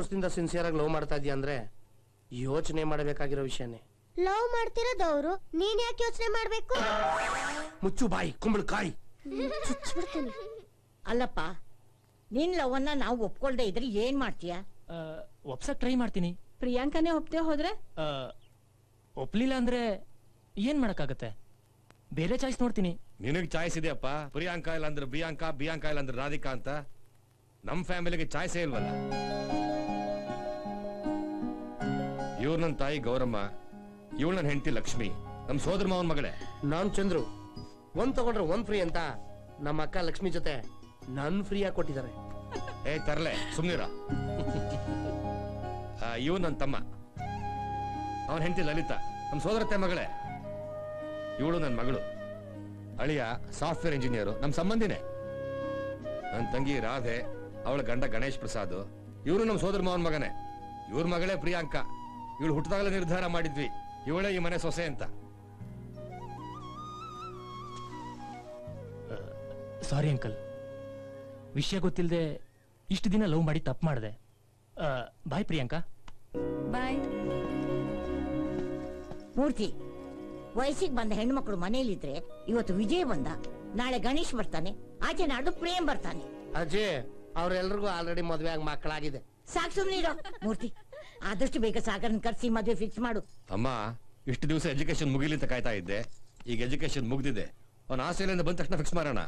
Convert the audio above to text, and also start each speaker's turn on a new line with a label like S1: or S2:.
S1: ವರ್ಷದಿಂದ ಸಿನ್ಸಿಯರ್ ಆಗಿ ಲವ್ ಮಾಡ್ತಾ ಇದೀಯ ಅಂದ್ರೆ ಯೋಚನೆ ಮಾಡಬೇಕಾಗಿರೋ ವಿಷಯನೇ.
S2: ಲವ್ ಮಾಡ್ತಿರೋದವ್ರು ನೀನ್ ಯಾಕೆ ಯೋಚನೆ ಮಾಡ್ಬೇಕು?
S1: ಮುಚ್ಚು ಬಾಯಿ ಕುಂಬಳಕಾಯಿ.
S2: ಚುಚ್ಚಿಬಿಡ್ತೀನಿ.
S3: ಅಲ್ಲಪ್ಪ, ನಿನ್ ಲವನ್ನ ನಾವು ಒಪ್ಕೊಳ್ದೆ ಇದ್ರೆ ಏನ್ ಮಾಡ್ತೀಯ?
S4: ಒಪ್ಸಕ್ ಟ್ರೈ ಮಾಡ್ತೀನಿ.
S5: ಪ್ರಿಯಾಂಕನೇ ಒಪ್ತೆ ಹೋದ್ರೆ?
S4: ಒಪ್ಲಿಲ್ಲ ಅಂದ್ರೆ ಏನ್ ಮಾಡಕ್ಕಾಗತ್ತೆ? ಬೇರೆ ಚಾಯ್ಸ್ ನೋಡ್ತೀನಿ.
S6: ನಿನಗ್ ಚಾಯ್ಸ್ ಇದೆಯಪ್ಪ. ಪ್ರಿಯಾಂಕಾ ಇಲ್ಲ ಅಂದ್ರೆ ಬಿಯಾಂಕಾ, ಬಿಯಾಂಕಾ ಇಲ್ಲ ಅಂದ್ರೆ ರಾಧಿಕಾ ಅಂತ. ನಮ್ ಫ್ಯಾಮಿಲಿಗೆ ಚಾಯ್ಸೇ ಇಲ್ವಲ್ಲ. ಇವ್ರು ನನ್ನ ತಾಯಿ ಗೌರಮ್ಮ, ಇವಳು ನನ್ನ ಹೆಂಡತಿ ಲಕ್ಷ್ಮಿ, ನಮ್ ಸೋದರ ಮಾವನ್ ಮಗಳೇ.
S1: ನಾನ್ ಚಂದ್ರು. ಒಂದ್ ತಗೊಂಡ್ರೆ ಒಂದ್ ಫ್ರೀ ಅಂತ ನಮ್ಮ ಅಕ್ಕ ಲಕ್ಷ್ಮಿ ಜೊತೆ ನನ್ ಫ್ರೀ ಆಗಿ ಕೊಟ್ಟಿದ್ದಾರೆ.
S6: ಏ ತರ್ಲೆ ಸುಮ್ನಿರ. ಇವ್ ನನ್ನ ತಮ್ಮ, ಅವನ ಹೆಂಡತಿ ಲಲಿತಾ, ನಮ್ ಸೋದರತ್ತೆ ಮಗಳೇ. ಇವಳು ನನ್ನ ಮಗಳು. ಅಳಿಯ ಸಾಫ್ಟ್ವೇರ್ ಇಂಜಿನಿಯರು, ನಮ್ ಸಂಬಂಧಿನೇ. ನನ್ನ ತಂಗಿ ರಾಧೆ, ಅವಳ ಗಂಡ ಗಣೇಶ್ ಪ್ರಸಾದ್, ಇವರು ನಮ್ ಸೋದರ ಮಾವನ್ ಮಗನೇ. ಇವ್ರ ಮಗಳೇ ಪ್ರಿಯಾಂಕಾ. ಇವಳು ಹುಟ್ಟಿದಾಗಲೇ ನಿರ್ಧಾರ ಮಾಡಿದ್ವಿ ಇವಳೇ ಈ ಮನೆ ಸೊಸೆ ಅಂತ.
S4: ಸಾರಿ ಅಂಕಲ್, ವಿಷಯ ಗೊತ್ತಿಲ್ಲದೆ ಇಷ್ಟು ದಿನ ಲವ್ ಮಾಡಿ ತಪ್ಪು ಮಾಡಿದೆ. ಬಾಯ್ ಪ್ರಿಯಾಂಕಾ.
S5: ಬಾಯ್.
S3: ಮೂರ್ತಿ, ವಯಸ್ಸಿಗೆ ಬಂದ ಹೆಣ್ಮಕ್ಳು ಮನೇಲಿದ್ರೆ ಇವತ್ತು ವಿಜಯ್ ಬಂದ, ನಾಳೆ ಗಣೇಶ್ ಬರ್ತಾನೆ, ಆಚೆ ನಾಡು ಪ್ರೇಮ್ ಬರ್ತಾನೆ.
S1: ಅಜಯ್ ಅವ್ರೆಲ್ರಿಗೂ ಆಲ್ರೆಡಿ ಮದ್ವೆ ಆಗಿ ಮಕ್ಕಳಾಗಿದೆ.
S3: ಸಾಕ್ ಸುಮ್ನಿರೋ ಮೂರ್ತಿ. ಆದಷ್ಟು ಬೇಗ ಸಾಗರನ್ ಕರ್ಸಿ ಮದ್ವೆ ಫಿಕ್ಸ್ ಮಾಡು.
S6: ಅಮ್ಮ, ಇಷ್ಟು ದಿವಸ ಎಜುಕೇಶನ್ ಮುಗಿಲಿ ಅಂತ ಕಾಯ್ತಾ ಇದ್ದೆ. ಈಗ ಎಜುಕೇಶನ್ ಮುಗ್ದಿದೆ. ಅವನ ಆಸ್ಟ್ರೇಲಿಯಿಂದ ಬಂದ ತಕ್ಷಣ ಫಿಕ್ಸ್ ಮಾಡೋಣ.